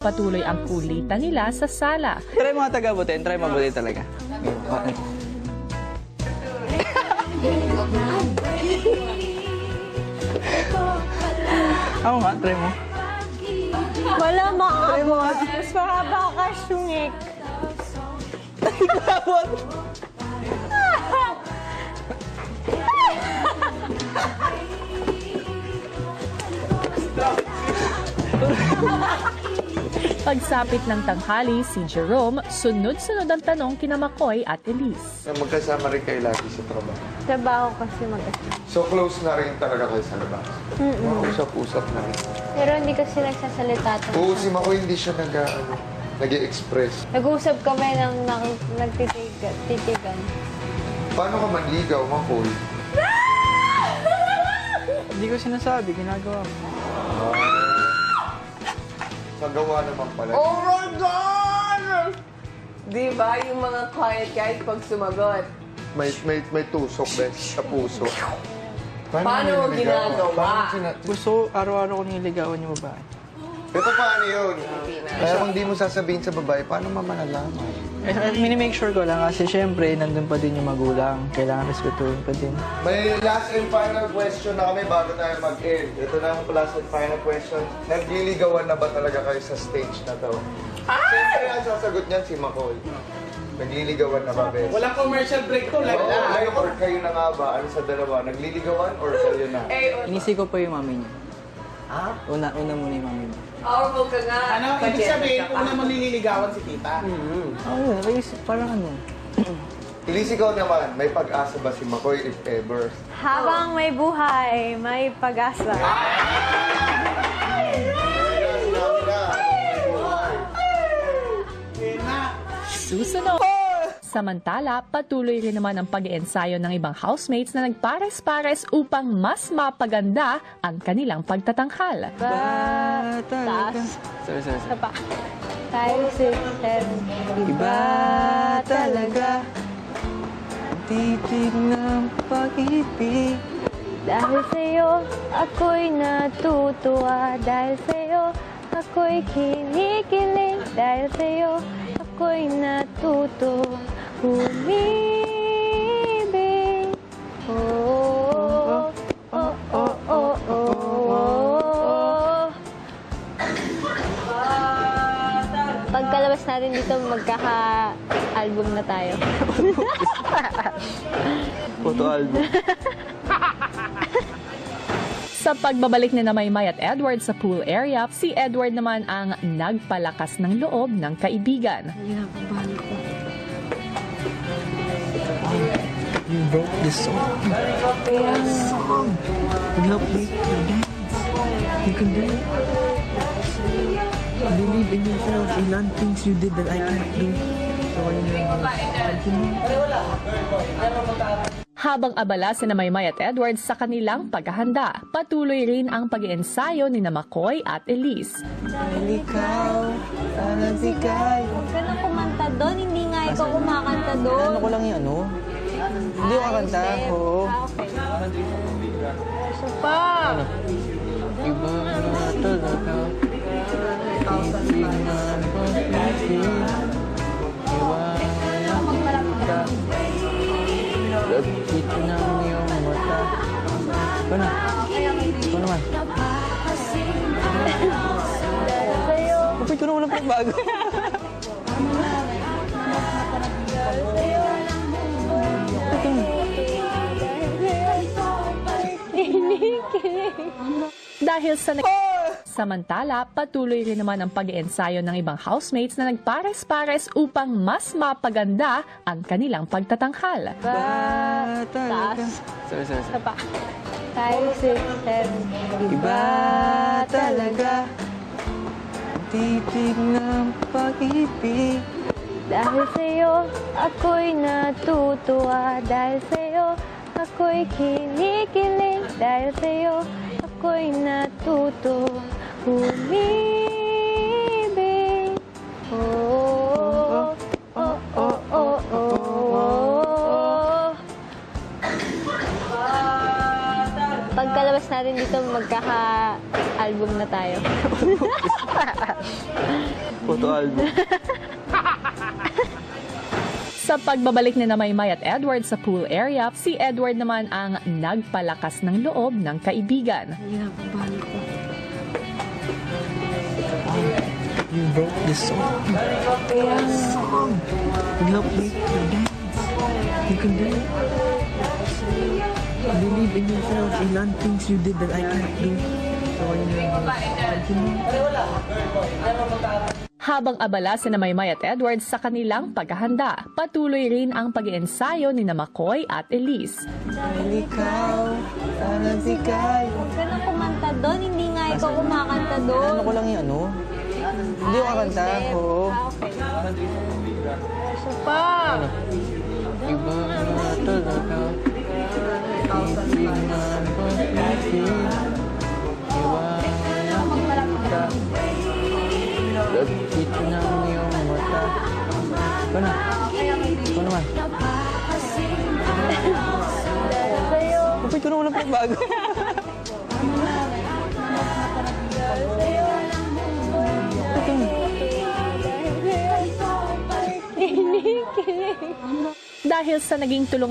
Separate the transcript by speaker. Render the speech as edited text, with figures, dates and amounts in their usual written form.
Speaker 1: patuloy ang kulitan nila sa sala.
Speaker 2: Try mga taga-butin, try mabuti talaga. Ako nga, try mo.
Speaker 3: Wala maabot. Mas mahaba ka, Shungik.
Speaker 2: Ikabot!
Speaker 1: Pagsapit ng tanghali, si Jerome, sunod-sunod ang tanong kina Makoy at Elise.
Speaker 4: Magkasama rin kayo lagi sa trabaho.
Speaker 3: Trabaho kasi mag-asama.
Speaker 4: So close na rin talaga kayo sa labas. Usap-usap na rin.
Speaker 3: Pero hindi kasi nagsasalita.
Speaker 4: Oo, si Makoy hindi siya nag-i-express.
Speaker 3: Nag-uusap kami ng nagtitigan.
Speaker 4: Paano ka manligaw, Makoy?
Speaker 2: Hindi ko sinasabi, ginagawa mo.
Speaker 4: Sa gawa naman pala.
Speaker 5: Oh my God! Di ba yung mga quiet guys pag sumagot?
Speaker 4: May tusok din sa puso.
Speaker 5: Paano mo ginagawa?
Speaker 2: Gusto, araw-araw ko nililigawan yung babae.
Speaker 4: Ito paano yun? Kaya kung di mo sasabihin sa babae, paano mamalalaman?
Speaker 2: Minimake sure ko lang kasi syempre, nandun pa din yung magulang. Kailangan respetuhin pa din.
Speaker 4: May last and final question na kami bago tayo mag-end. Ito na ang last and final question. Nagliligawan na ba talaga kayo sa stage na to? Siyempre ang sasagot niyan si Makoy. Nagliligawan na ba, Bes?
Speaker 6: Walang commercial break to. Like
Speaker 4: Kayo or kayo na nga ba? Ano sa dalawa? Nagliligawan or kayo na?
Speaker 2: Inisi ko pa yung mami niya. Ha? Una muna yung mami niya.
Speaker 5: Powerful ka nga.
Speaker 6: Ano, ibig sabihin, una mo nililigawan si tita.
Speaker 2: Oo, parang ano.
Speaker 4: Elise, ikaw naman, may pag-asa ba si Makoy if ever?
Speaker 3: Habang may buhay, may pag-asa.
Speaker 1: Susunod! Samantala, patuloy rin naman ang pag-iensayo ng ibang housemates na nagpares-pares upang mas mapaganda ang kanilang pagtatanghal.
Speaker 3: Taas.
Speaker 2: Sorry.
Speaker 3: Isa pa. 5, 6, 7.
Speaker 2: Iba talaga ang titig ng pag-ibig.
Speaker 3: Dahil sa'yo, ako'y natutuwa. Dahil sa'yo, ako'y kinikilig. Dahil sa'yo, ako'y natutuwa. Umibig. Oh, oh, oh, oh, oh. Pagkalabas natin dito, magkaka-album na tayo.
Speaker 2: Photo album.
Speaker 1: Sa pagbabalik ni Maymay at Edward sa pool area, si Edward naman ang nagpalakas ng loob ng kaibigan.
Speaker 2: You wrote this song. This song will help make you dance. You can do it. Believe in yourself. Ilan things you did that I can't do. So continue.
Speaker 1: Habang abala si Maymay at Edward sa kanilang paghahanda, patuloy rin ang pag-iensayo ni Makoy at Elise.
Speaker 2: Dahil ikaw, sana bigay.
Speaker 3: Huwag ka nang kumanta doon. Hindi nga ikaw kumakanta doon.
Speaker 2: Ano ko lang yung ano? Hindi ko kakanta. Oo.
Speaker 3: Okay. Isa pa.
Speaker 2: Iba na talaga. Hindi na pag-ibig. Iwanan kita. Dito na ang iyong mata. Ikaw na. Ikaw naman. Kapit ko na walang pagbago.
Speaker 1: Dahil sa Samantala, patuloy rin naman ang pag-iensayo ng ibang housemates na nagpares-pares upang mas mapaganda ang kanilang pagtatanghal.
Speaker 3: Taas.
Speaker 2: Sorry.
Speaker 3: Isa pa. 5, 6, 7.
Speaker 2: Iba talaga ang titig ng pag-ibig.
Speaker 3: Dahil sa'yo, ako'y natutuwa. Dahil sa'yo, ako'y kinikilig. Dahil sa'yo, ako'y natutuwa. Umibig. Oh, oh, oh, oh, oh, oh. Pagkalabas natin dito, magkaka-album na tayo.
Speaker 2: photo album.
Speaker 1: Sa pagbabalik ni Maymay at Edward sa pool area, si Edward naman ang nagpalakas ng loob ng kaibigan.
Speaker 2: You wrote this song. This song will help make you dance. You can do it. Believe in yourself. Ilan things you did that I can't do. So,
Speaker 1: Habang abala si Maymay at Edward sa kanilang paghahanda, patuloy rin ang pag-iensayo ni McCoy at Elise.
Speaker 2: ikaw, parang sikay.
Speaker 3: Huwag ka nang kumanta doon. Hindi nga ikaw kumakanta doon.
Speaker 2: Ano ko lang yung ano? Hindi ko kakanta. Oo.
Speaker 3: Isa pa.
Speaker 2: Iba na talaga. Hindi na pag-ibig. Iwanan kita. Lagkit ng iyong mata. Ikaw na. Ikaw naman. Kapit ko na walang pagbago.
Speaker 1: Dahil sa naging tulong